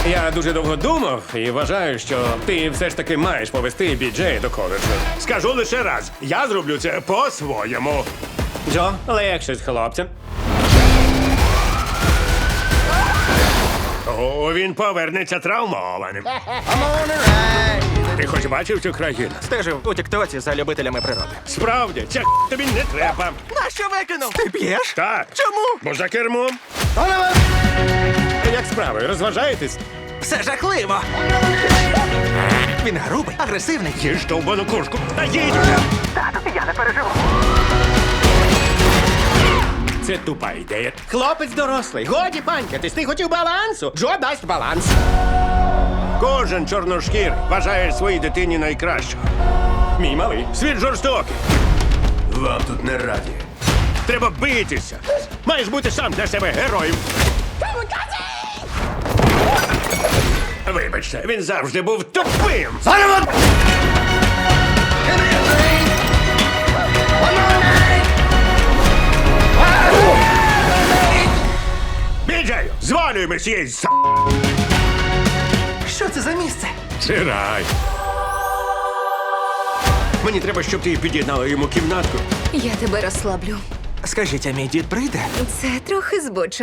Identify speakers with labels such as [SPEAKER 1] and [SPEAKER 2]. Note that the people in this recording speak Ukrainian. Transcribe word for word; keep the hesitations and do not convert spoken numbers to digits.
[SPEAKER 1] Я дуже довго думав і вважаю, що ти все ж таки маєш повести Біджея до коледжу.
[SPEAKER 2] Скажу лише раз, я зроблю це по-своєму.
[SPEAKER 1] Джо, легше з хлопцем.
[SPEAKER 2] О, він повернеться травмованим. Ти хоч бачив цю країну?
[SPEAKER 3] Стежив у тіктоці за любителями природи.
[SPEAKER 2] Справді, ця тобі не треба.
[SPEAKER 3] Нащо викинув? Ти п'єш?
[SPEAKER 2] Так.
[SPEAKER 3] Чому?
[SPEAKER 2] Бо за кермом.
[SPEAKER 1] Як справи? Розважаєтесь?
[SPEAKER 3] Все жахливо. Він грубий, агресивний.
[SPEAKER 2] Їж довбану курку. Та їдь!
[SPEAKER 3] Тату, я не переживу.
[SPEAKER 1] Це тупа ідея. Хлопець дорослий. Годі панькатись. Ти хотів балансу? Джо дасть баланс.
[SPEAKER 2] Кожен чорношкір вважає своїй дитині найкращого.
[SPEAKER 1] Мій малий.
[SPEAKER 2] Світ жорстокий.
[SPEAKER 4] Вам тут не раді.
[SPEAKER 2] Треба битися. Маєш бути сам для себе героєм. Вибачте, він завжди був тупим. Біджею, звалюємо з цієї с***.
[SPEAKER 3] Що це за місце?
[SPEAKER 2] Це рай. Мені треба, щоб ти під'єднала йому кімнатку.
[SPEAKER 5] Я тебе розслаблю.
[SPEAKER 3] Скажіть, а мій дід прийде?
[SPEAKER 5] Це трохи збочено.